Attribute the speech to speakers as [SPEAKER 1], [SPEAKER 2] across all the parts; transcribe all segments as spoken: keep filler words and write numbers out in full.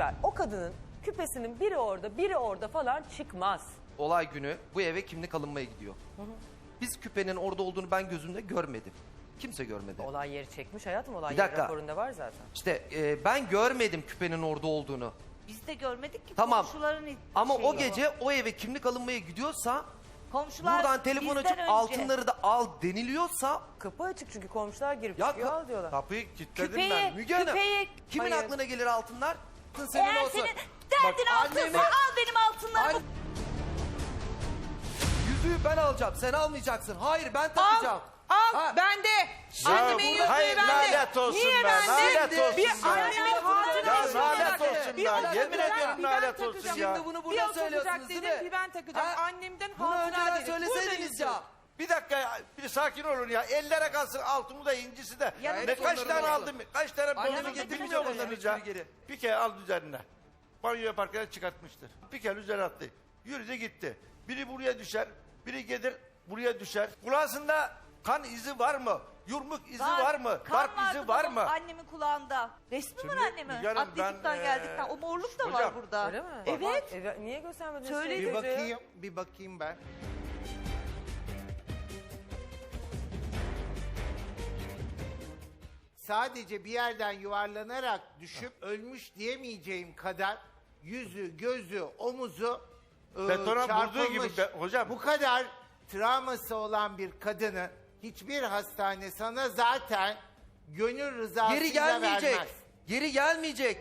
[SPEAKER 1] ver. O kadının küpesinin biri orada, biri orada falan çıkmaz.
[SPEAKER 2] Olay günü bu eve kimlik alınmaya gidiyor. Hı hı. Biz küpenin orada olduğunu ben gözümde görmedim. Kimse görmedi.
[SPEAKER 1] Olay yeri çekmiş hayatım, olay
[SPEAKER 2] Bir
[SPEAKER 1] yeri
[SPEAKER 2] dakika.
[SPEAKER 1] raporunda var zaten.
[SPEAKER 2] İşte e, ben görmedim küpenin orada olduğunu.
[SPEAKER 3] Biz de görmedik ki
[SPEAKER 2] Tamam.
[SPEAKER 3] komşuların
[SPEAKER 2] Ama
[SPEAKER 3] şeyi
[SPEAKER 2] o gece o eve kimlik alınmaya gidiyorsa,
[SPEAKER 3] komşular
[SPEAKER 2] buradan telefon
[SPEAKER 3] bizden
[SPEAKER 2] açıp
[SPEAKER 3] önce.
[SPEAKER 2] altınları da al deniliyorsa,
[SPEAKER 1] Kapı açık çünkü komşular girip
[SPEAKER 2] ya
[SPEAKER 1] çıkıyor
[SPEAKER 2] ka-
[SPEAKER 1] al diyorlar.
[SPEAKER 4] Kapıyı kilitledim
[SPEAKER 3] Küpeyi-
[SPEAKER 4] ben.
[SPEAKER 2] Müge Hanım,
[SPEAKER 3] Küpeyi-
[SPEAKER 2] kimin
[SPEAKER 1] Hayır.
[SPEAKER 2] aklına gelir altınlar? Altın senin
[SPEAKER 3] Eğer
[SPEAKER 2] olsun.
[SPEAKER 3] senin derdin
[SPEAKER 2] Bak,
[SPEAKER 3] altınsa
[SPEAKER 2] annemi-
[SPEAKER 3] al benim altınlarımı.
[SPEAKER 2] An- Yüzüğü ben alacağım, sen almayacaksın. Hayır, ben takacağım.
[SPEAKER 5] Al
[SPEAKER 2] Ha.
[SPEAKER 5] bende. Annemin yüzüğü
[SPEAKER 4] hayır,
[SPEAKER 5] bende.
[SPEAKER 4] lanet olsun
[SPEAKER 5] Niye
[SPEAKER 4] be,
[SPEAKER 5] bende?
[SPEAKER 4] lanet olsun
[SPEAKER 5] bir
[SPEAKER 4] be.
[SPEAKER 5] annemin
[SPEAKER 4] Ya
[SPEAKER 5] hatırası
[SPEAKER 4] lanet
[SPEAKER 5] olarak.
[SPEAKER 4] olsun
[SPEAKER 5] Bir
[SPEAKER 4] be.
[SPEAKER 5] o
[SPEAKER 4] Yemin
[SPEAKER 5] takacak,
[SPEAKER 4] ediyorum
[SPEAKER 5] bir ben
[SPEAKER 4] lanet olsun
[SPEAKER 5] takacağım.
[SPEAKER 4] ya.
[SPEAKER 2] Şimdi bunu
[SPEAKER 5] Bir
[SPEAKER 2] burada
[SPEAKER 5] o takacak
[SPEAKER 2] söylüyorsunuz değil
[SPEAKER 5] dedim,
[SPEAKER 2] mi?
[SPEAKER 5] bir ben takacağım.
[SPEAKER 2] Ha?
[SPEAKER 5] Annemden
[SPEAKER 2] Bunu
[SPEAKER 5] hatıra
[SPEAKER 2] önceden
[SPEAKER 5] dedim.
[SPEAKER 2] söyleseydiniz
[SPEAKER 5] Burada
[SPEAKER 2] ya.
[SPEAKER 4] Bir dakika ya, bir sakin olun ya. Ellere kalsın altını da incisi de.
[SPEAKER 3] Ya
[SPEAKER 4] Ne kaç
[SPEAKER 2] onları
[SPEAKER 4] tane
[SPEAKER 2] da
[SPEAKER 4] aldım, kaç tane
[SPEAKER 2] Annemi
[SPEAKER 4] bozdum
[SPEAKER 2] getirmiş
[SPEAKER 4] bilmiyor
[SPEAKER 2] oraya,
[SPEAKER 4] musunuz ya?
[SPEAKER 2] geri.
[SPEAKER 4] Bir kere aldı üzerine. Banyo yaparken çıkartmıştır. Bir kere üzerine attı. Yürüdü gitti. Biri buraya düşer, biri gelir buraya düşer. Kulağında kan izi var mı? Yumruk izi var, mı?
[SPEAKER 3] Kan
[SPEAKER 4] Darp
[SPEAKER 3] vardı
[SPEAKER 4] izi var
[SPEAKER 3] babam,
[SPEAKER 4] mı?
[SPEAKER 3] Annemin kulağında. Resmi var
[SPEAKER 4] Şimdi
[SPEAKER 3] annemin.
[SPEAKER 4] Müge Hanım, ben,
[SPEAKER 3] Atletikten
[SPEAKER 4] eee,
[SPEAKER 3] geldikten. O morluk da var
[SPEAKER 4] hocam,
[SPEAKER 3] burada.
[SPEAKER 1] Öyle mi?
[SPEAKER 3] Evet.
[SPEAKER 1] Evet. Niye göstermediniz?
[SPEAKER 3] Söyle-
[SPEAKER 1] şey
[SPEAKER 3] Bir
[SPEAKER 6] Bir
[SPEAKER 1] çocuğa?
[SPEAKER 6] bakayım, bir bakayım ben. Sadece bir yerden yuvarlanarak düşüp ölmüş diyemeyeceğim kadar yüzü, gözü, omuzu e,
[SPEAKER 4] Betona vurduğu
[SPEAKER 6] çarpılmış.
[SPEAKER 4] gibi be- hocam.
[SPEAKER 6] Bu kadar travması olan bir kadını hiçbir hastane sana zaten gönül rızasıyla
[SPEAKER 2] Geri gelmeyecek.
[SPEAKER 6] vermez.
[SPEAKER 2] Geri gelmeyecek.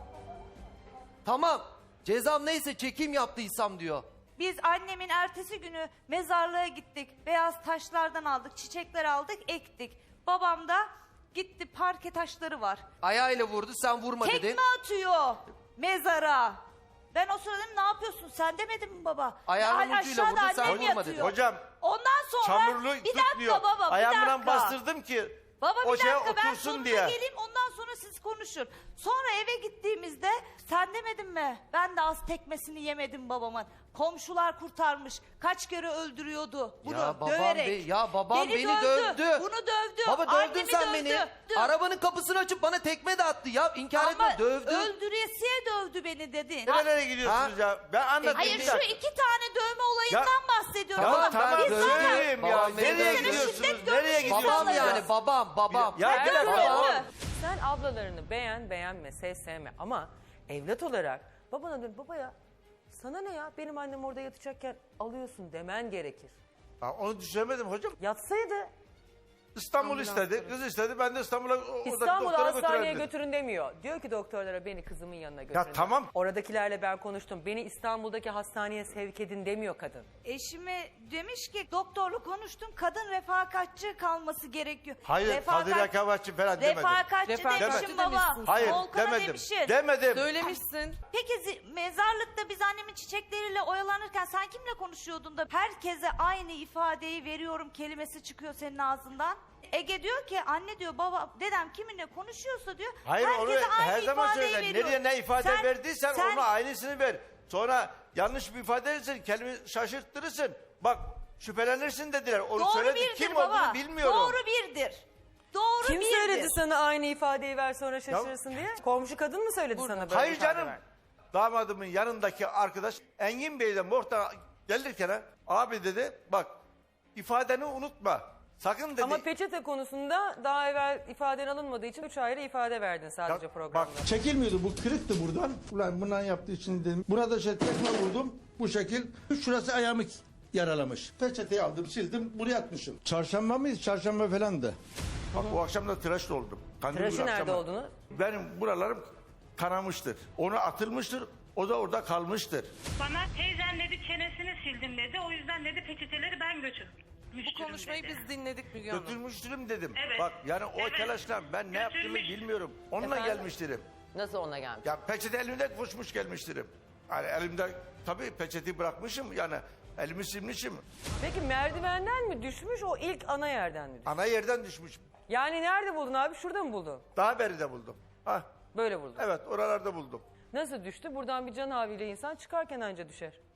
[SPEAKER 2] Tamam. Cezam neyse çekim yaptıysam diyor.
[SPEAKER 3] Biz annemin ertesi günü mezarlığa gittik. Beyaz taşlardan aldık, çiçekler aldık, ektik. Babam da gitti, parke taşları var.
[SPEAKER 2] Ayağıyla vurdu, sen vurma
[SPEAKER 3] Tekme
[SPEAKER 2] dedin.
[SPEAKER 3] atıyor mezara. Ben o sırada dedim, ne yapıyorsun sen demedin mi baba?
[SPEAKER 2] Ayağının
[SPEAKER 3] Ya,
[SPEAKER 2] ucuyla
[SPEAKER 3] aşağıda
[SPEAKER 2] vurdu, sen
[SPEAKER 3] annem
[SPEAKER 2] vurma
[SPEAKER 3] yatıyor.
[SPEAKER 2] dedin.
[SPEAKER 4] Hocam,
[SPEAKER 3] Ondan sonra
[SPEAKER 4] çamurlu
[SPEAKER 3] bir dakika
[SPEAKER 4] tutmuyor.
[SPEAKER 3] baba bir
[SPEAKER 4] Ayağımdan
[SPEAKER 3] dakika.
[SPEAKER 4] bastırdım ki
[SPEAKER 3] Baba bir
[SPEAKER 4] o şeye
[SPEAKER 3] dakika ben
[SPEAKER 4] otursun
[SPEAKER 3] sonuna
[SPEAKER 4] diye.
[SPEAKER 3] geleyim ondan sonra siz konuşun. Sonra eve gittiğimizde sen demedin mi? Ben de az tekmesini yemedim babamın. Komşular kurtarmış. Kaç kere öldürüyordu bunu
[SPEAKER 2] Ya babam,
[SPEAKER 3] döverek.
[SPEAKER 2] be- ya babam beni,
[SPEAKER 3] dövdü.
[SPEAKER 2] dövdü.
[SPEAKER 3] Bunu dövdü.
[SPEAKER 2] Baba dövdün
[SPEAKER 3] Annemi
[SPEAKER 2] sen
[SPEAKER 3] dövdü.
[SPEAKER 2] beni.
[SPEAKER 3] Dö-
[SPEAKER 2] Arabanın kapısını açıp bana tekme de attı ya. İnkar
[SPEAKER 3] Ama
[SPEAKER 2] etme, dövdü.
[SPEAKER 3] öldüresiye dövdü beni dedin.
[SPEAKER 4] Nerelere gidiyorsunuz ya? Ben anlatayım.
[SPEAKER 3] Hayır
[SPEAKER 4] bir
[SPEAKER 3] şu
[SPEAKER 4] dakika.
[SPEAKER 3] iki tane dövme olayından
[SPEAKER 4] Ya-
[SPEAKER 3] bahsediyorum.
[SPEAKER 2] Tamam,
[SPEAKER 4] Ya
[SPEAKER 3] Baba,
[SPEAKER 4] tamam
[SPEAKER 2] ben
[SPEAKER 3] biz zaten-
[SPEAKER 4] söyleyeyim ya.
[SPEAKER 2] Babam beni
[SPEAKER 4] Nereye
[SPEAKER 2] dövdü.
[SPEAKER 4] gidiyorsunuz?
[SPEAKER 3] Şiddet
[SPEAKER 4] Nereye
[SPEAKER 3] görmüş
[SPEAKER 4] gidiyorsunuz?
[SPEAKER 2] Babam
[SPEAKER 3] insanlar
[SPEAKER 2] yani babam babam.
[SPEAKER 4] Ya bir
[SPEAKER 3] Dövdü.
[SPEAKER 4] dakika.
[SPEAKER 1] Sen ablalarını beğen beğenme, sev sevme ama evlat olarak babana dön, babaya sana ne ya benim annem orada yatacakken alıyorsun demen gerekir.
[SPEAKER 4] Ha, onu düşünemedim hocam.
[SPEAKER 1] Yatsaydı
[SPEAKER 4] İstanbul
[SPEAKER 1] Ambulans
[SPEAKER 4] istedi.
[SPEAKER 1] götürün.
[SPEAKER 4] Kız istedi. Ben de İstanbul'a oradaki
[SPEAKER 1] İstanbul'a
[SPEAKER 4] doktora
[SPEAKER 1] hastaneye
[SPEAKER 4] götürelim dedim.
[SPEAKER 1] götürün demiyor. Diyor ki doktorlara beni kızımın yanına götürün.
[SPEAKER 4] tamam.
[SPEAKER 1] Oradakilerle ben konuştum. Beni İstanbul'daki hastaneye sevk edin demiyor kadın.
[SPEAKER 3] Eşime demiş ki doktorla konuştum kadın refakatçi kalması gerekiyor.
[SPEAKER 4] Hayır,
[SPEAKER 3] Refakat-
[SPEAKER 4] Kadir Rekabetçi falan demedim.
[SPEAKER 3] Refakatçi
[SPEAKER 5] Refakatçi
[SPEAKER 3] demişim baba.
[SPEAKER 5] demişsin.
[SPEAKER 4] Hayır,
[SPEAKER 3] Volkan'a
[SPEAKER 4] demedim.
[SPEAKER 3] demişsin.
[SPEAKER 4] Demedim.
[SPEAKER 5] Söylemişsin.
[SPEAKER 3] Peki zi- mezarlıkta biz annemin çiçekleriyle oyalanırken sen kimle konuşuyordun da herkese aynı ifadeyi veriyorum kelimesi çıkıyor senin ağzından? Ege diyor ki anne diyor baba dedem kiminle konuşuyorsa diyor
[SPEAKER 4] Hayır onu
[SPEAKER 3] herkese aynı
[SPEAKER 4] her zaman
[SPEAKER 3] ifadeyi
[SPEAKER 4] söyle.
[SPEAKER 3] veriyor.
[SPEAKER 4] Nereye ne ifade
[SPEAKER 3] Sen-
[SPEAKER 4] verdiysen
[SPEAKER 3] sen-
[SPEAKER 4] ona aynısını ver. Sonra yanlış bir ifade verirsin, kelime şaşırttırırsın. Bak şüphelenirsin dediler. Onu
[SPEAKER 3] Doğru
[SPEAKER 4] söyledi.
[SPEAKER 3] birdir
[SPEAKER 4] Kim
[SPEAKER 3] baba.
[SPEAKER 4] olduğunu bilmiyorum.
[SPEAKER 3] Doğru birdir. Doğru
[SPEAKER 1] Kim
[SPEAKER 3] birdir.
[SPEAKER 1] söyledi sana aynı ifadeyi ver sonra şaşırırsın diye? Komşu kadın mı söyledi sana böyle
[SPEAKER 4] Hayır
[SPEAKER 1] ifade
[SPEAKER 4] canım.
[SPEAKER 1] ver?
[SPEAKER 4] Damadımın yanındaki arkadaş Engin Bey'den muhtar gelirken ha, abi dedi bak ifadeni unutma. Sakın dedi.
[SPEAKER 1] Ama peçete konusunda daha evvel ifaden alınmadığı için üç ayrı ifade verdin sadece
[SPEAKER 4] Ya,
[SPEAKER 1] programda.
[SPEAKER 4] bak,
[SPEAKER 7] Çekilmiyordu, bu kırıktı buradan. Ulan bundan yaptığı için dedim. Burada şey tekme vurdum bu şekil. Şurası ayağımı yaralamış. Peçeteyi aldım sildim buraya atmışım. Çarşamba mıyız? Çarşamba falandı.
[SPEAKER 4] Bak bu akşam da tıraş oldum. Kandil
[SPEAKER 1] Tıraşı
[SPEAKER 4] günü
[SPEAKER 1] nerede
[SPEAKER 4] akşama.
[SPEAKER 1] olduğunu?
[SPEAKER 4] Benim buralarım kanamıştır. Onu atılmıştır. O da orada kalmıştır.
[SPEAKER 8] Bana teyzen dedi çenesini sildim dedi. O yüzden dedi peçeteleri ben götürmüştüm.
[SPEAKER 5] Bu konuşmayı
[SPEAKER 8] dedi.
[SPEAKER 5] biz dinledik Müge Hanım.
[SPEAKER 4] Götürmüştürüm dedim.
[SPEAKER 8] Evet.
[SPEAKER 4] Bak yani o
[SPEAKER 8] Evet.
[SPEAKER 4] telaşla ben ne yaptığımı
[SPEAKER 8] Götürmüş.
[SPEAKER 4] bilmiyorum. Onunla
[SPEAKER 1] Efendim?
[SPEAKER 4] gelmiştirim.
[SPEAKER 1] Nasıl ona gelmiş?
[SPEAKER 4] Ya peçete elimde koşmuş gelmiştirim. Yani elimde tabii peçeteyi bırakmışım yani elimi silmişim.
[SPEAKER 1] Peki merdivenden mi düşmüş o ilk ana yerden mi düşmüş?
[SPEAKER 4] Ana yerden düşmüş.
[SPEAKER 1] Yani nerede buldun abi? Şurada mı buldun?
[SPEAKER 4] Daha beri de buldum. Hah,
[SPEAKER 1] Böyle buldun.
[SPEAKER 4] evet oralarda buldum.
[SPEAKER 1] Nasıl düştü? Buradan bir can havliyle insan çıkarken anca düşer.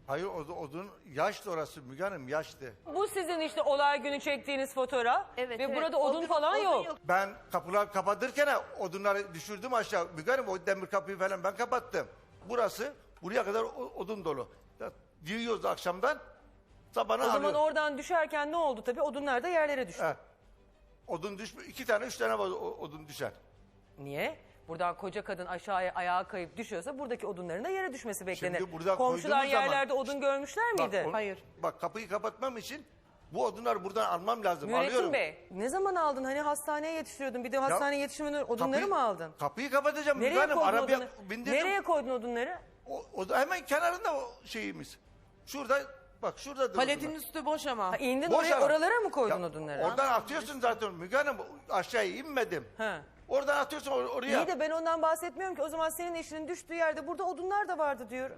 [SPEAKER 4] Hayır o, odun yaştı orası Müge Hanım yaştı.
[SPEAKER 1] Bu sizin işte olay günü çektiğiniz fotoğraf.
[SPEAKER 3] Evet,
[SPEAKER 1] Ve
[SPEAKER 3] evet.
[SPEAKER 1] burada odun
[SPEAKER 3] Odun-
[SPEAKER 1] falan
[SPEAKER 3] odun
[SPEAKER 1] yok.
[SPEAKER 3] yok.
[SPEAKER 4] Ben kapılar kapatırken odunları düşürdüm aşağı. Müge Hanım o demir kapıyı falan ben kapattım. Burası buraya kadar o- odun dolu. Ya, yığıyoruz akşamdan sabahına
[SPEAKER 1] O zaman
[SPEAKER 4] alıyor.
[SPEAKER 1] oradan düşerken ne oldu tabii? Odunlar da yerlere düştü.
[SPEAKER 4] He. Odun düşmüyor. İki tane üç tane var o- odun düşer.
[SPEAKER 1] Niye? Buradan koca kadın aşağıya ayağa kayıp düşüyorsa buradaki odunların da yere düşmesi beklenir.
[SPEAKER 4] Şimdi burada
[SPEAKER 1] Komşular
[SPEAKER 4] koyduğumuz zaman-
[SPEAKER 1] yerlerde odun görmüşler miydi?
[SPEAKER 4] Bak, o-
[SPEAKER 5] Hayır.
[SPEAKER 4] Bak kapıyı kapatmam için bu odunları buradan almam lazım. Alıyorum.
[SPEAKER 1] Mürettin Bey ne zaman aldın? Hani hastaneye yetiştiriyordun. Bir de hastaneye yetiştirmeden odunları
[SPEAKER 4] Kapıyı-
[SPEAKER 1] mı aldın?
[SPEAKER 4] Kapıyı kapatacağım. Müge
[SPEAKER 1] Nereye
[SPEAKER 4] Hanım,
[SPEAKER 1] koydun
[SPEAKER 4] arabaya
[SPEAKER 1] odunları?
[SPEAKER 4] bindirdim.
[SPEAKER 1] Nereye koydun odunları?
[SPEAKER 4] O, o da hemen kenarında o şeyimiz. Şurada bak şurada.
[SPEAKER 5] Paletin üstü boş ama.
[SPEAKER 1] Ha, indin
[SPEAKER 4] Boş
[SPEAKER 1] oraya,
[SPEAKER 4] alan.
[SPEAKER 1] oralara mı koydun
[SPEAKER 4] Ya,
[SPEAKER 1] odunları?
[SPEAKER 4] Oradan atıyorsun zaten Müge Hanım. Aşağıya inmedim.
[SPEAKER 1] Ha.
[SPEAKER 4] Oradan atıyorsun or- oraya.
[SPEAKER 1] İyi de ben ondan bahsetmiyorum ki. O zaman senin eşinin düştüğü yerde burada odunlar da vardı diyorum.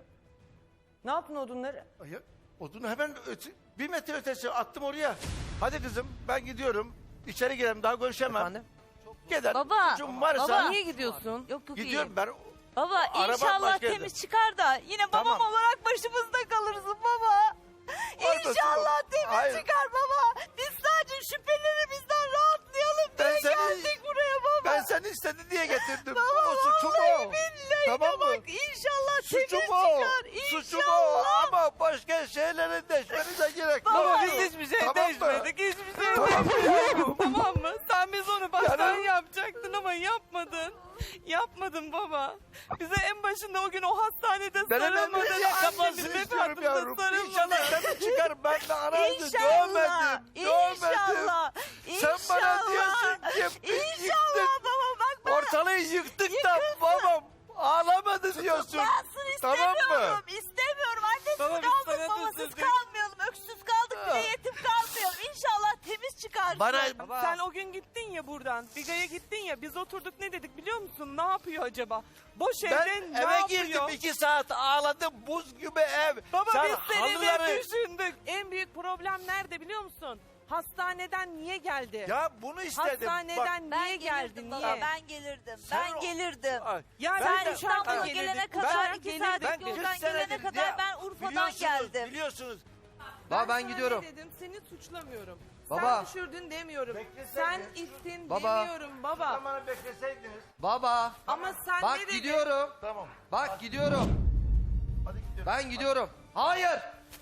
[SPEAKER 1] Ne yaptın odunları?
[SPEAKER 4] Ya, odunu hemen öte, bir metre ötesi attım oraya. Hadi kızım ben gidiyorum. İçeri girelim daha görüşemem.
[SPEAKER 2] Efendim?
[SPEAKER 4] Gider.
[SPEAKER 3] Baba,
[SPEAKER 4] Çocuğum varsa
[SPEAKER 3] baba.
[SPEAKER 5] Niye gidiyorsun?
[SPEAKER 3] Yok yok
[SPEAKER 4] gidiyorum
[SPEAKER 3] iyi.
[SPEAKER 4] ben.
[SPEAKER 3] Baba
[SPEAKER 4] Araba
[SPEAKER 3] inşallah
[SPEAKER 4] başka yerde.
[SPEAKER 3] temiz çıkar da yine babam
[SPEAKER 4] Tamam.
[SPEAKER 3] olarak başımızda kalırsın baba.
[SPEAKER 4] Orada
[SPEAKER 3] İnşallah
[SPEAKER 4] yok.
[SPEAKER 3] temiz
[SPEAKER 4] Hayır.
[SPEAKER 3] çıkar baba. Biz sadece şüphelerimizden rahatlayalım diye
[SPEAKER 4] Ben seni-
[SPEAKER 3] geldik buraya baba.
[SPEAKER 4] Ben seni istedi diye getirdim.
[SPEAKER 3] Baba
[SPEAKER 4] o suçum
[SPEAKER 3] vallahi
[SPEAKER 4] o.
[SPEAKER 3] billahi
[SPEAKER 4] Tamam mı?
[SPEAKER 3] bak inşallah temiz
[SPEAKER 4] Suçum o.
[SPEAKER 3] çıkar.
[SPEAKER 4] Suçum o.
[SPEAKER 3] İnşallah.
[SPEAKER 4] Ama başka şeylere deşmenize gerek yok.
[SPEAKER 3] Baba,
[SPEAKER 5] Biz hiçbir şey
[SPEAKER 4] Tamam mı?
[SPEAKER 5] değişmedik. Hiçbir şey
[SPEAKER 4] Tamam mı?
[SPEAKER 5] değişmedik. Tamam mı? Sen biz onu baştan
[SPEAKER 4] Canım.
[SPEAKER 5] yapacaktın ama yapmadın. Yapmadın baba. Bize en başında o gün o hastanede
[SPEAKER 4] Ben hemen
[SPEAKER 5] sarılmadın.
[SPEAKER 4] bir yakalamasını
[SPEAKER 5] Annemin
[SPEAKER 4] istiyorum
[SPEAKER 5] vefadında
[SPEAKER 4] yavrum. İnşallah
[SPEAKER 5] sarılmadın.
[SPEAKER 4] seni çıkar. Ben de aranızı
[SPEAKER 3] İnşallah.
[SPEAKER 4] dövmedim. Dövmedim.
[SPEAKER 3] İnşallah.
[SPEAKER 4] Sen bana
[SPEAKER 3] İnşallah.
[SPEAKER 4] diyorsun ki
[SPEAKER 3] İnşallah
[SPEAKER 4] yıktık.
[SPEAKER 3] baba bak ben
[SPEAKER 4] Ortalığı yıktık da babam ağlamadı diyorsun.
[SPEAKER 3] tutuklansın
[SPEAKER 4] Tamam
[SPEAKER 3] istemiyorum.
[SPEAKER 4] mı?
[SPEAKER 3] İstemiyorum. Annesiz
[SPEAKER 5] Baba, biz
[SPEAKER 3] kaldık,
[SPEAKER 5] sana
[SPEAKER 3] babasız
[SPEAKER 5] üzüldük.
[SPEAKER 3] kalmayalım. Öksüz kaldık, bir de yetim kalmayalım. İnşallah temiz çıkarsın.
[SPEAKER 4] Bana
[SPEAKER 5] Sen o gün gittin ya buradan. Biga'ya gittin ya. Biz oturduk ne dedik biliyor musun? Ne yapıyor acaba? Boş
[SPEAKER 4] ben
[SPEAKER 5] evde ne
[SPEAKER 4] eve
[SPEAKER 5] yapıyor?
[SPEAKER 4] girdim iki saat ağladım buz gibi ev.
[SPEAKER 5] Baba
[SPEAKER 4] Sen
[SPEAKER 5] biz seni
[SPEAKER 4] halıları-
[SPEAKER 5] de düşündük. En büyük problem nerede biliyor musun? Hastaneden niye geldi?
[SPEAKER 4] Ya bunu istedim.
[SPEAKER 5] Hastaneden
[SPEAKER 3] Ben
[SPEAKER 5] niye
[SPEAKER 3] gelirdim
[SPEAKER 5] geldi?
[SPEAKER 3] baba,
[SPEAKER 5] Niye?
[SPEAKER 3] ben gelirdim.
[SPEAKER 4] Sen
[SPEAKER 3] ben
[SPEAKER 4] o-
[SPEAKER 3] gelirdim.
[SPEAKER 4] Ay,
[SPEAKER 5] Ya
[SPEAKER 4] ben
[SPEAKER 3] Sen
[SPEAKER 4] de-
[SPEAKER 3] İstanbul'a
[SPEAKER 5] uçakla
[SPEAKER 3] gelene
[SPEAKER 5] gelirdik.
[SPEAKER 3] kadar
[SPEAKER 5] Ben
[SPEAKER 3] iki
[SPEAKER 5] gelirdim.
[SPEAKER 3] saatlik
[SPEAKER 4] Ben
[SPEAKER 3] yoldan
[SPEAKER 4] kırk
[SPEAKER 3] gelene
[SPEAKER 4] senedir
[SPEAKER 3] kadar
[SPEAKER 4] ya,
[SPEAKER 3] ben Urfa'dan
[SPEAKER 4] biliyorsunuz,
[SPEAKER 3] geldim.
[SPEAKER 4] Biliyorsunuz.
[SPEAKER 2] Baba ben
[SPEAKER 5] sana
[SPEAKER 2] gidiyorum.
[SPEAKER 5] Ne dedim? Seni suçlamıyorum.
[SPEAKER 2] Baba.
[SPEAKER 5] Sen düşürdün demiyorum.
[SPEAKER 4] Bekleseydin.
[SPEAKER 5] Sen ittin
[SPEAKER 2] Baba.
[SPEAKER 5] demiyorum baba.
[SPEAKER 4] Zamanı bekleseydiniz.
[SPEAKER 2] Baba.
[SPEAKER 5] Ama sen
[SPEAKER 2] Bak
[SPEAKER 5] ne dedin?
[SPEAKER 2] gidiyorum.
[SPEAKER 4] Tamam.
[SPEAKER 2] Bak gidiyorum.
[SPEAKER 4] Hadi gidiyorum.
[SPEAKER 2] Ben gidiyorum. Hayır.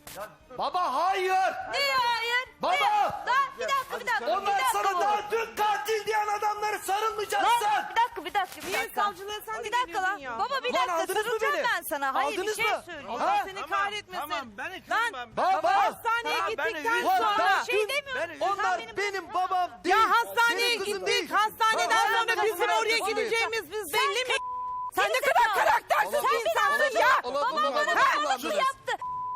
[SPEAKER 2] Baba hayır.
[SPEAKER 3] Niye hayır?
[SPEAKER 2] Baba.
[SPEAKER 3] Lan bir dakika bir dakika. bir
[SPEAKER 2] Onlar
[SPEAKER 3] dakika
[SPEAKER 2] sana
[SPEAKER 3] baba.
[SPEAKER 2] daha dün katil diyen adamları sarılmayacaksın.
[SPEAKER 3] Lan bir dakika bir dakika bir
[SPEAKER 5] Niye
[SPEAKER 3] dakika.
[SPEAKER 5] savcılığa sen de
[SPEAKER 3] Bir dakika
[SPEAKER 5] geliyordun
[SPEAKER 3] lan.
[SPEAKER 5] ya?
[SPEAKER 3] Baba bir
[SPEAKER 2] Lan
[SPEAKER 3] dakika
[SPEAKER 2] aldınız mı
[SPEAKER 3] sarılacağım
[SPEAKER 2] beni?
[SPEAKER 3] ben sana. Hayır
[SPEAKER 2] Aldınız
[SPEAKER 3] bir şey
[SPEAKER 2] mı?
[SPEAKER 3] söyleyeyim.
[SPEAKER 5] Allah
[SPEAKER 2] Ha?
[SPEAKER 5] seni kahretmesin.
[SPEAKER 4] Tamam ben
[SPEAKER 5] Lan
[SPEAKER 4] ikramam.
[SPEAKER 2] Baba.
[SPEAKER 5] hastaneye
[SPEAKER 4] Tamam, ben
[SPEAKER 5] gittikten
[SPEAKER 4] üzüldüm.
[SPEAKER 2] Ulan
[SPEAKER 5] sonra.
[SPEAKER 2] ben
[SPEAKER 3] Bir şey
[SPEAKER 2] dün-
[SPEAKER 3] demiyorum.
[SPEAKER 4] ben-
[SPEAKER 3] Sen
[SPEAKER 2] Onlar
[SPEAKER 3] benim
[SPEAKER 2] benim babam değil.
[SPEAKER 5] Ya hastaneye
[SPEAKER 2] Senin kızın
[SPEAKER 5] gittik.
[SPEAKER 2] değil.
[SPEAKER 5] Hastaneden
[SPEAKER 2] Baba,
[SPEAKER 5] sonra
[SPEAKER 2] ben
[SPEAKER 5] bizim
[SPEAKER 2] kızın
[SPEAKER 5] oraya
[SPEAKER 2] arkasındayım.
[SPEAKER 5] gideceğimiz biz
[SPEAKER 3] Sen
[SPEAKER 5] belli mi?
[SPEAKER 3] ka-
[SPEAKER 5] Sen ne
[SPEAKER 3] Gerizekalı.
[SPEAKER 5] kadar karaktersiz bir insansın
[SPEAKER 2] Olabilir,
[SPEAKER 5] ya.
[SPEAKER 2] olabilir,
[SPEAKER 3] Babam bana
[SPEAKER 2] olabilir,
[SPEAKER 3] babalık mı
[SPEAKER 2] kullandınız.
[SPEAKER 3] yaptı?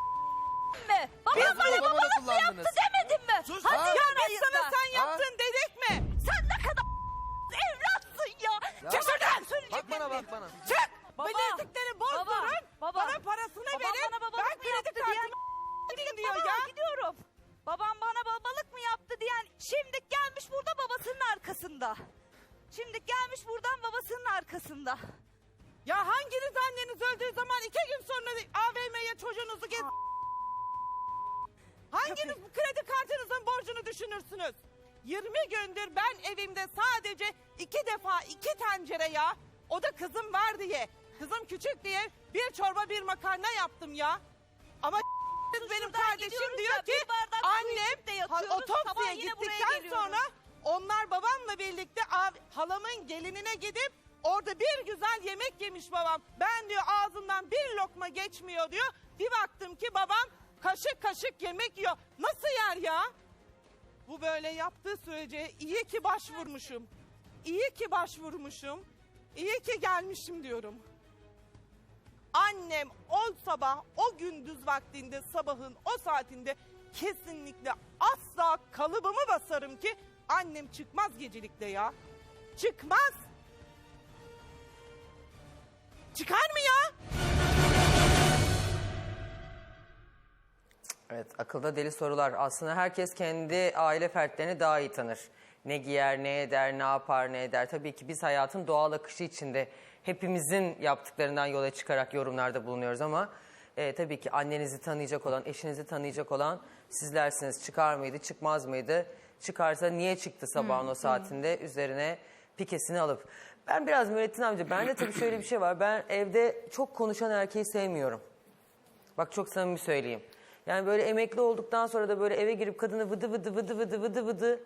[SPEAKER 3] Mi? Babam
[SPEAKER 2] Biz
[SPEAKER 3] bana
[SPEAKER 2] babamı
[SPEAKER 3] babalık mı
[SPEAKER 2] kullandınız.
[SPEAKER 3] yaptı demedin mi?
[SPEAKER 4] Sus.
[SPEAKER 3] Hadi
[SPEAKER 2] Ha?
[SPEAKER 5] Ya
[SPEAKER 3] ya
[SPEAKER 5] biz sana sen yaptın dedik mi?
[SPEAKER 3] Sen ne kadar evlatsın ya.
[SPEAKER 2] Ya.
[SPEAKER 3] Çık şuradan.
[SPEAKER 2] Bak bana bak bana.
[SPEAKER 5] Çık.
[SPEAKER 3] Baba,
[SPEAKER 5] Bilezikleri bozdurun.
[SPEAKER 3] baba, baba.
[SPEAKER 5] Bana parasını
[SPEAKER 3] Babam
[SPEAKER 5] verin.
[SPEAKER 3] bana babalık
[SPEAKER 5] Ben
[SPEAKER 3] mı yaptı
[SPEAKER 5] kredi
[SPEAKER 3] diyen
[SPEAKER 5] kartımı
[SPEAKER 3] Gidip
[SPEAKER 5] diyor
[SPEAKER 3] baba,
[SPEAKER 5] ya.
[SPEAKER 3] gidiyorum. Babam bana babalık mı yaptı diyen şimdi gelmiş burada babasının arkasında. Şimdi gelmiş buradan babasının arkasında.
[SPEAKER 5] Ya hanginiz anneniz öldüğü zaman iki gün sonra A V M'ye çocuğunuzu gez... Hanginiz bu kredi kartınızın borcunu düşünürsünüz? yirmi gündür ben evimde sadece iki defa iki tencere ya. O da kızım var diye. Kızım küçük diye bir çorba bir makarna yaptım ya. Ama benim
[SPEAKER 3] Şuradan
[SPEAKER 5] kardeşim
[SPEAKER 3] gidiyoruz
[SPEAKER 5] diyor
[SPEAKER 3] ya,
[SPEAKER 5] ki
[SPEAKER 3] bir bardak su
[SPEAKER 5] annem
[SPEAKER 3] içip de
[SPEAKER 5] ha-
[SPEAKER 3] yatıyoruz,
[SPEAKER 5] otopsiye
[SPEAKER 3] sabah yine buraya
[SPEAKER 5] gittikten
[SPEAKER 3] geliyoruz."
[SPEAKER 5] sonra onlar babamla birlikte av- halamın gelinine gidip orada bir güzel yemek yemiş babam. Ben diyor ağzından bir lokma geçmiyor diyor. Bir baktım ki babam kaşık kaşık yemek yiyor. Nasıl yer ya? Bu böyle yaptığı sürece iyi ki başvurmuşum. İyi ki başvurmuşum. İyi ki gelmişim diyorum. Annem o sabah, o gündüz vaktinde, sabahın o saatinde kesinlikle asla kalıbımı basarım ki annem çıkmaz gecelikte ya. Çıkmaz. Çıkar mı ya?
[SPEAKER 1] Evet, akılda deli sorular. Aslında herkes kendi aile fertlerini daha iyi tanır. Ne giyer, ne eder, ne yapar, ne eder. Tabii ki biz hayatın doğal akışı içinde hepimizin yaptıklarından yola çıkarak yorumlarda bulunuyoruz ama e, tabii ki annenizi tanıyacak olan, eşinizi tanıyacak olan sizlersiniz. Çıkar mıydı, çıkmaz mıydı? Çıkarsa niye çıktı sabahın o saatinde üzerine pikesini alıp. Ben biraz Nurettin amca, bende tabii şöyle bir şey var. Ben evde çok konuşan erkeği sevmiyorum. Bak çok samimi söyleyeyim. Yani böyle emekli olduktan sonra da böyle eve girip kadını vıdı vıdı vıdı vıdı vıdı vıdı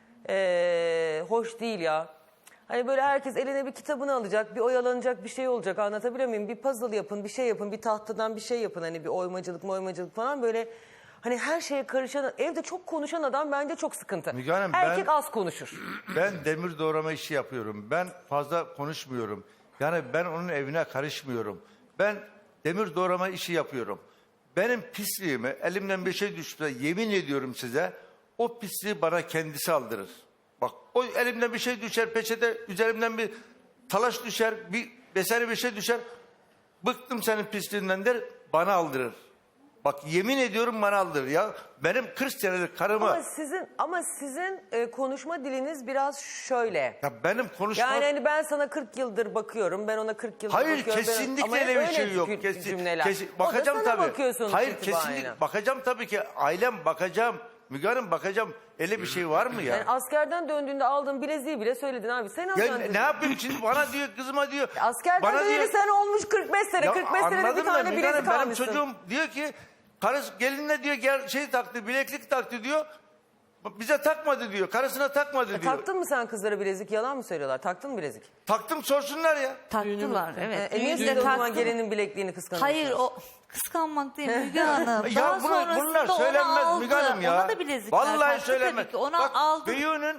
[SPEAKER 1] ee, hoş değil ya. Hani böyle herkes eline bir kitabını alacak, bir oyalanacak bir şey olacak, anlatabiliyor muyum? Bir puzzle yapın, bir şey yapın, bir tahtadan bir şey yapın. Hani bir oymacılık oymacılık falan böyle. Hani her şeye karışan, evde çok konuşan adam bence çok sıkıntı.
[SPEAKER 4] Müge Hanım,
[SPEAKER 1] Erkek
[SPEAKER 4] ben-
[SPEAKER 1] az konuşur.
[SPEAKER 4] Ben demir doğrama işi yapıyorum. Ben fazla konuşmuyorum. Yani ben onun evine karışmıyorum. Ben demir doğrama işi yapıyorum. Benim pisliğimi elimden bir şey düştü. Yemin ediyorum size o pisliği bana kendisi aldırır. Bak o elimden bir şey düşer peçete üzerimden bir talaş düşer bir vesaire bir şey düşer. Bıktım senin pisliğinden der bana aldırır. Bak yemin ediyorum bana aldırır ya. Benim kırk senelik karımı...
[SPEAKER 1] Ama sizin ama sizin e, konuşma diliniz biraz şöyle.
[SPEAKER 4] Ya benim konuşmam...
[SPEAKER 1] Yani hani ben sana kırk yıldır bakıyorum, ben ona kırk yıldır
[SPEAKER 4] Hayır
[SPEAKER 1] bakıyorum. ben-
[SPEAKER 4] kesinlikle
[SPEAKER 1] ama
[SPEAKER 4] öyle bir
[SPEAKER 1] öyle
[SPEAKER 4] şey yok.
[SPEAKER 1] cü-
[SPEAKER 4] Kesin,
[SPEAKER 1] cümleler.
[SPEAKER 4] kesin-
[SPEAKER 1] O da
[SPEAKER 4] bakacağım
[SPEAKER 1] sana
[SPEAKER 4] tabii.
[SPEAKER 1] bakıyor sonuç
[SPEAKER 4] Hayır
[SPEAKER 1] itibariyle.
[SPEAKER 4] kesinlikle bakacağım tabii ki ailem bakacağım. Müge Hanım bakacağım. Öyle bir şey var mı ya?
[SPEAKER 1] Yani askerden döndüğünde aldığın bileziği bile söyledin abi. Sen
[SPEAKER 4] Ya
[SPEAKER 1] alsan
[SPEAKER 4] ne, ne yapayım şimdi bana diyor kızıma diyor.
[SPEAKER 1] askerden
[SPEAKER 4] bana
[SPEAKER 1] döneli sen olmuş kırk beş sene.
[SPEAKER 4] Ya
[SPEAKER 1] kırk beş senede bir
[SPEAKER 4] anladım da
[SPEAKER 1] tane
[SPEAKER 4] Müge
[SPEAKER 1] bilezik
[SPEAKER 4] Hanım, benim
[SPEAKER 1] almışsın.
[SPEAKER 4] çocuğum diyor ki karısı gelinle diyor gel, şey taktı bileklik taktı diyor. Bize takmadı diyor. Karısına takmadı
[SPEAKER 1] E,
[SPEAKER 4] diyor.
[SPEAKER 1] taktın mı sen kızlara bilezik? Yalan mı söylüyorlar? Taktın mı bilezik?
[SPEAKER 4] Taktım sorsunlar ya.
[SPEAKER 3] Taktılar evet.
[SPEAKER 1] E, niye
[SPEAKER 3] Düğünde
[SPEAKER 1] siz de o zaman
[SPEAKER 3] taktılar.
[SPEAKER 1] gelinin bilekliğini kıskanıyorsunuz?
[SPEAKER 3] Hayır o kıskanmak değil Müge Hanım.
[SPEAKER 4] Ya
[SPEAKER 3] Daha
[SPEAKER 4] bunu-
[SPEAKER 3] sonrasında
[SPEAKER 4] bunlar
[SPEAKER 3] onu
[SPEAKER 4] söylenmez
[SPEAKER 3] aldı.
[SPEAKER 4] Müge Hanım ya.
[SPEAKER 3] Ona da bilezikler
[SPEAKER 4] Vallahi
[SPEAKER 3] taktı
[SPEAKER 4] söylenmez.
[SPEAKER 3] tabii ki. Ona
[SPEAKER 4] Bak,
[SPEAKER 3] aldı.
[SPEAKER 4] Beyu'nun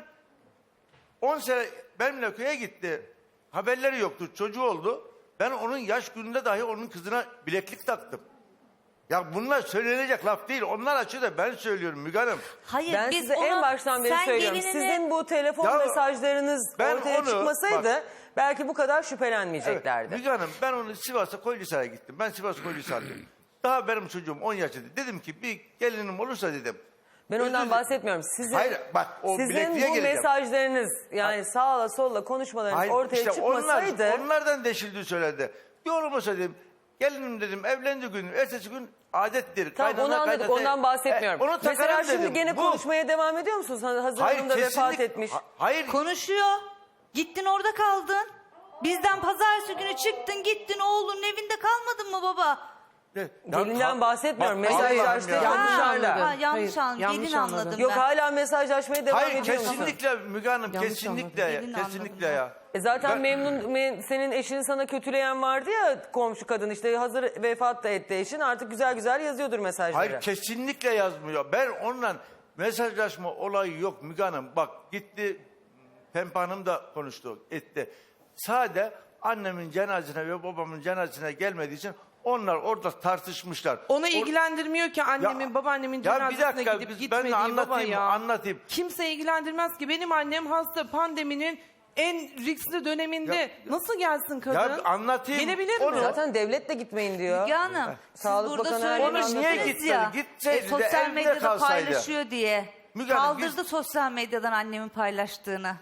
[SPEAKER 4] on sene benimle köye gitti. Haberleri yoktu. Çocuğu oldu. Ben onun yaş gününde dahi onun kızına bileklik taktım. Ya bunlar söylenecek laf değil. Onlar açıyor da ben söylüyorum Müge Hanım.
[SPEAKER 3] Hayır
[SPEAKER 1] Ben
[SPEAKER 3] biz
[SPEAKER 1] size
[SPEAKER 3] ona,
[SPEAKER 1] en baştan beri
[SPEAKER 3] sen
[SPEAKER 1] söylüyorum.
[SPEAKER 3] gelinine-
[SPEAKER 1] Sizin bu telefon
[SPEAKER 4] Ya
[SPEAKER 1] mesajlarınız
[SPEAKER 4] ben
[SPEAKER 1] ortaya
[SPEAKER 4] onu-
[SPEAKER 1] çıkmasaydı
[SPEAKER 4] bak-
[SPEAKER 1] belki bu kadar
[SPEAKER 4] Evet,
[SPEAKER 1] şüphelenmeyeceklerdi.
[SPEAKER 4] Müge Hanım ben onu Sivas'a Koylisar'a gittim. Ben Sivas Koylisar'dayım. Daha benim çocuğum on yaşında. Dedim ki bir gelinim olursa dedim.
[SPEAKER 1] Ben ondan
[SPEAKER 4] Özür-
[SPEAKER 1] bahsetmiyorum. Sizin,
[SPEAKER 4] Hayır, bak, o
[SPEAKER 1] sizin
[SPEAKER 4] bilekliğe
[SPEAKER 1] bu
[SPEAKER 4] geleceğim.
[SPEAKER 1] mesajlarınız yani sağla solla konuşmalarınız
[SPEAKER 4] Hayır,
[SPEAKER 1] ortaya
[SPEAKER 4] işte
[SPEAKER 1] çıkmasaydı.
[SPEAKER 4] Onlar, onlardan deşildi söyledi. Bir olmasa dedim. Gelinim dedim evlendi gün. Ertesi gün adettir.
[SPEAKER 1] Tamam
[SPEAKER 4] kaynana,
[SPEAKER 1] onu anladık
[SPEAKER 4] kaynata-
[SPEAKER 1] ondan bahsetmiyorum.
[SPEAKER 4] E, onu
[SPEAKER 1] Mesela
[SPEAKER 4] takarım
[SPEAKER 1] şimdi
[SPEAKER 4] dedim.
[SPEAKER 1] gene
[SPEAKER 4] Bu-
[SPEAKER 1] konuşmaya devam ediyor musunuz? Hazır
[SPEAKER 4] Hayır
[SPEAKER 1] Hanım da vefat
[SPEAKER 4] kesinlikle.
[SPEAKER 1] etmiş.
[SPEAKER 4] Ha- Hayır.
[SPEAKER 3] Konuşuyor. Gittin orada kaldın. Bizden pazartesi günü çıktın gittin oğlunun evinde kalmadın mı baba?
[SPEAKER 4] Ya-
[SPEAKER 1] Gelinden bahsetmiyorum.
[SPEAKER 4] Bak,
[SPEAKER 1] Mesaj
[SPEAKER 4] Allah'ım
[SPEAKER 1] açtı.
[SPEAKER 4] ya.
[SPEAKER 1] Yanlış
[SPEAKER 3] Ha,
[SPEAKER 1] anladın.
[SPEAKER 3] ha, yanlış
[SPEAKER 9] Hayır,
[SPEAKER 3] anladım.
[SPEAKER 9] yanlış
[SPEAKER 3] Gelin
[SPEAKER 9] anladın.
[SPEAKER 3] anladım
[SPEAKER 1] Yok
[SPEAKER 3] ben.
[SPEAKER 1] hala mesajlaşmaya devam
[SPEAKER 4] Hayır
[SPEAKER 1] ediyor musun?
[SPEAKER 4] kesinlikle Müge Hanım
[SPEAKER 9] Yanlış
[SPEAKER 4] kesinlikle
[SPEAKER 9] anladım.
[SPEAKER 4] ya.
[SPEAKER 3] Gelin
[SPEAKER 4] Kesinlikle
[SPEAKER 3] anladım
[SPEAKER 4] ya.
[SPEAKER 1] E zaten
[SPEAKER 4] Ben-
[SPEAKER 1] memnun me- senin eşini sana kötüleyen vardı ya komşu kadın işte hazır vefat da etti eşin artık güzel güzel yazıyordur mesajları.
[SPEAKER 4] Hayır kesinlikle yazmıyor. Ben onunla mesajlaşma olayı yok Müge Hanım. Bak gitti Pembe Hanım da konuştu etti. Sade annemin cenazesine ve babamın cenazesine gelmediği için onlar orada tartışmışlar.
[SPEAKER 9] Onu
[SPEAKER 4] Or-
[SPEAKER 9] ilgilendirmiyor ki annemin
[SPEAKER 4] Ya-
[SPEAKER 9] babaannemin
[SPEAKER 4] ya bir
[SPEAKER 9] cenazesine
[SPEAKER 4] dakika,
[SPEAKER 9] gidip
[SPEAKER 4] biz-
[SPEAKER 9] gitmediği
[SPEAKER 4] ben de
[SPEAKER 9] baba
[SPEAKER 4] anlatayım,
[SPEAKER 9] ya.
[SPEAKER 4] anlatayım.
[SPEAKER 9] Kimse ilgilendirmez ki benim annem hasta pandeminin en riskli döneminde
[SPEAKER 4] Ya-
[SPEAKER 9] nasıl gelsin kadın?
[SPEAKER 4] Ya anlatayım.
[SPEAKER 9] Gelebilir
[SPEAKER 4] Onu-
[SPEAKER 9] mi?
[SPEAKER 1] Zaten devlet de gitmeyin diyor.
[SPEAKER 3] Müge Hanım siz
[SPEAKER 1] Sağlık
[SPEAKER 3] burada
[SPEAKER 1] Bakanı her
[SPEAKER 3] söylemiştiniz
[SPEAKER 4] Onu niye gitmedi?
[SPEAKER 3] ya.
[SPEAKER 4] Gitseydi de
[SPEAKER 3] sosyal
[SPEAKER 4] evde
[SPEAKER 3] medyada
[SPEAKER 4] kalsaydı.
[SPEAKER 3] paylaşıyor diye.
[SPEAKER 4] Müge Hanım,
[SPEAKER 3] Kaldırdı
[SPEAKER 4] biz-
[SPEAKER 3] sosyal medyadan annemin paylaştığını.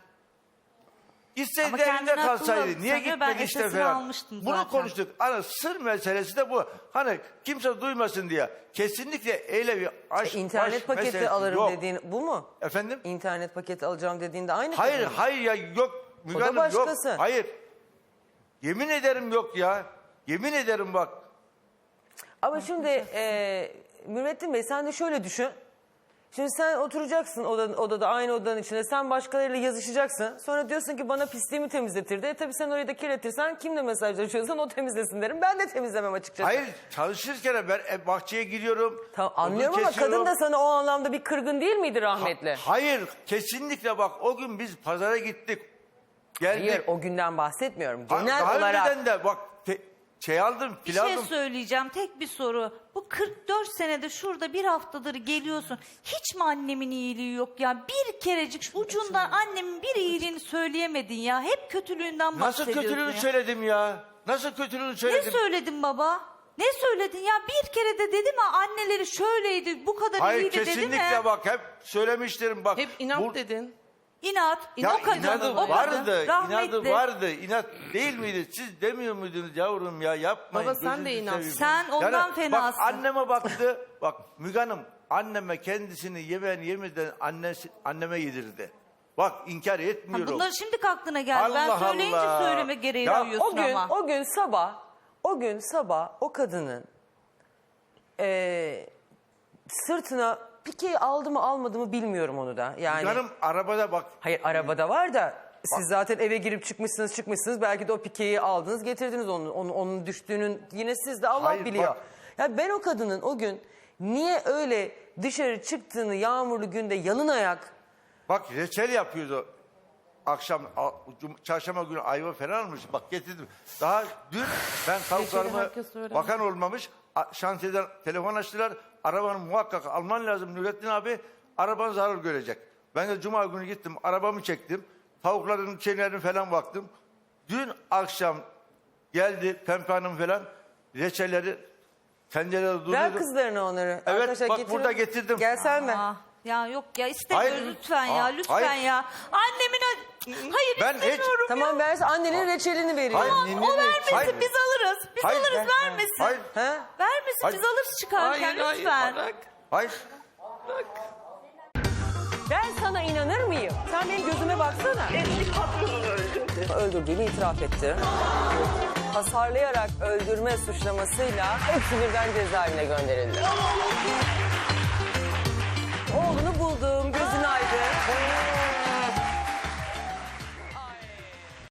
[SPEAKER 4] Gitseydi
[SPEAKER 3] Ama
[SPEAKER 4] evinde
[SPEAKER 3] kendini
[SPEAKER 4] kalsaydı.
[SPEAKER 3] haklı
[SPEAKER 4] Niye
[SPEAKER 3] sanıyor, ben
[SPEAKER 4] gitmedi işte
[SPEAKER 3] esasını
[SPEAKER 4] falan.
[SPEAKER 3] almıştım
[SPEAKER 4] Bunu
[SPEAKER 3] zaten.
[SPEAKER 4] konuştuk. Hani sır meselesi de bu. Hani kimse duymasın diye. Kesinlikle öyle bir aşk,
[SPEAKER 1] İnternet
[SPEAKER 4] aşk
[SPEAKER 1] paketi
[SPEAKER 4] meselesi
[SPEAKER 1] alırım
[SPEAKER 4] yok.
[SPEAKER 1] dediğin bu mu?
[SPEAKER 4] Efendim?
[SPEAKER 1] İnternet paketi alacağım dediğinde aynı
[SPEAKER 4] Hayır
[SPEAKER 1] kadın mı?
[SPEAKER 4] hayır ya yok. Müge
[SPEAKER 1] O da
[SPEAKER 4] Hanım,
[SPEAKER 1] başkası.
[SPEAKER 4] Yok. Hayır. Yemin ederim yok ya. Yemin ederim bak.
[SPEAKER 1] Ama şimdi e, Mürvettin Bey sen de şöyle düşün. Şimdi sen oturacaksın odada, odada aynı odanın içinde sen başkalarıyla yazışacaksın. Sonra diyorsun ki bana pisliğimi temizletirdi. E tabii sen orayı da kirletirsen kimle mesajlaşıyorsan o temizlesin derim. Ben de temizlemem açıkçası.
[SPEAKER 4] Hayır çalışırken ben e, bahçeye giriyorum.
[SPEAKER 1] Tamam,
[SPEAKER 4] odun
[SPEAKER 1] anlıyorum ama
[SPEAKER 4] kesiyorum.
[SPEAKER 1] kadın da sana o anlamda bir kırgın değil miydi rahmetli?
[SPEAKER 4] Hayır kesinlikle bak o gün biz pazara gittik. Geldik.
[SPEAKER 1] Hayır o günden bahsetmiyorum.
[SPEAKER 4] Ha-
[SPEAKER 1] Genel
[SPEAKER 4] Daha
[SPEAKER 1] olarak.
[SPEAKER 4] önceden de bak te- şey aldım
[SPEAKER 3] Bir
[SPEAKER 4] pil
[SPEAKER 3] şey
[SPEAKER 4] aldım.
[SPEAKER 3] söyleyeceğim tek bir soru. Bu kırk dört senede şurada bir haftadır geliyorsun. Hiç mi annemin iyiliği yok ya? Bir kerecik ucundan annemin bir iyiliğini söyleyemedin ya. Hep kötülüğünden
[SPEAKER 4] Nasıl
[SPEAKER 3] bahsediyorsun
[SPEAKER 4] kötülüğünü
[SPEAKER 3] ya.
[SPEAKER 4] söyledim ya? Nasıl kötülüğünü
[SPEAKER 3] Ne
[SPEAKER 4] söyledim?
[SPEAKER 3] söyledin baba? Ne söyledin ya? Bir kere de dedi mi anneleri şöyle bu kadar
[SPEAKER 4] Hayır
[SPEAKER 3] iyiydi dedi mi?
[SPEAKER 4] kesinlikle bak hep söylemişlerim bak.
[SPEAKER 9] Hep inat
[SPEAKER 4] Bu-
[SPEAKER 9] dedin.
[SPEAKER 3] İnat.
[SPEAKER 4] Ya
[SPEAKER 3] o kadın,
[SPEAKER 4] inadı
[SPEAKER 3] o kadın
[SPEAKER 4] vardı,
[SPEAKER 3] rahmetli.
[SPEAKER 4] inadı vardı. İnat değil miydi? Siz demiyor muydunuz yavrum ya yapmayın.
[SPEAKER 9] Baba, sen
[SPEAKER 4] gözünüzü
[SPEAKER 9] de inat.
[SPEAKER 4] seveyim.
[SPEAKER 3] Sen ondan fenasın.
[SPEAKER 4] Bak anneme baktı. Bak Müge Hanım anneme kendisini yemeğini yemeden annesi, anneme yedirdi. Bak inkar
[SPEAKER 3] Ha,
[SPEAKER 4] etmiyorum.
[SPEAKER 3] bunları şimdi aklına geldi. ben
[SPEAKER 4] Allah
[SPEAKER 3] söyleyince
[SPEAKER 4] Allah.
[SPEAKER 3] söyleme gereği
[SPEAKER 4] Ya,
[SPEAKER 3] duyuyorsun
[SPEAKER 1] O gün,
[SPEAKER 3] ama.
[SPEAKER 1] o gün sabah, o gün sabah o kadının eee, sırtına pikeyi aldı mı almadı mı bilmiyorum onu da. Yani
[SPEAKER 4] Müge Hanım arabada bak.
[SPEAKER 1] hayır arabada var da siz zaten eve girip çıkmışsınız çıkmışsınız belki de o pikeyi aldınız getirdiniz onun onun, onun düştüğünün yine siz de Allah
[SPEAKER 4] Hayır,
[SPEAKER 1] biliyor.
[SPEAKER 4] bak.
[SPEAKER 1] Ya ben o kadının o gün niye öyle dışarı çıktığını yağmurlu günde yalın ayak
[SPEAKER 4] Bak reçel yapıyordu. Akşam, a- cum- çarşamba günü ayva falan almış. Bak getirdim. Daha dün ben tavuklarımı
[SPEAKER 9] herkes söyler.
[SPEAKER 4] bakan olmamış. a- Şantiyeden telefon açtılar. Arabanı muhakkak alman lazım Nurettin abi. Araban zarar görecek. Ben de cuma günü gittim. Arabamı çektim. Tavukların şeylerini falan baktım. Dün akşam geldi Pembe Hanım falan. Reçelleri tencerede
[SPEAKER 1] ver
[SPEAKER 4] duruyordu.
[SPEAKER 1] kızlarına onları.
[SPEAKER 4] Evet,
[SPEAKER 1] Arkadaşlar
[SPEAKER 4] bak
[SPEAKER 1] getirin.
[SPEAKER 4] burada getirdim.
[SPEAKER 1] Gelsen mi?
[SPEAKER 3] Ah, ya yok ya istemiyorum
[SPEAKER 4] Hayır.
[SPEAKER 3] lütfen ya
[SPEAKER 4] Aa,
[SPEAKER 3] lütfen
[SPEAKER 4] hayır.
[SPEAKER 3] ya. Annemin ö- hayır
[SPEAKER 4] Ben hiç-
[SPEAKER 3] istemiyorum.
[SPEAKER 1] Tamam versin annenin reçelini veriyor.
[SPEAKER 4] Hayır,
[SPEAKER 3] O
[SPEAKER 4] ninni-
[SPEAKER 3] vermesin
[SPEAKER 4] hayır.
[SPEAKER 3] biz alırız. Biz
[SPEAKER 4] Hayır,
[SPEAKER 3] alırız
[SPEAKER 4] ben-
[SPEAKER 3] vermesin.
[SPEAKER 4] Hayır.
[SPEAKER 1] Ha?
[SPEAKER 3] Vermesin
[SPEAKER 4] Hayır.
[SPEAKER 3] biz alırız çıkarken lütfen.
[SPEAKER 4] Hayır.
[SPEAKER 1] Ben sana inanır mıyım? Sen benim gözüme baksana.
[SPEAKER 8] Eski patronunu öldürdü.
[SPEAKER 1] Öldürdüğünü itiraf etti. Hasarlayarak öldürme suçlamasıyla hepsi birden cezaevine gönderildi.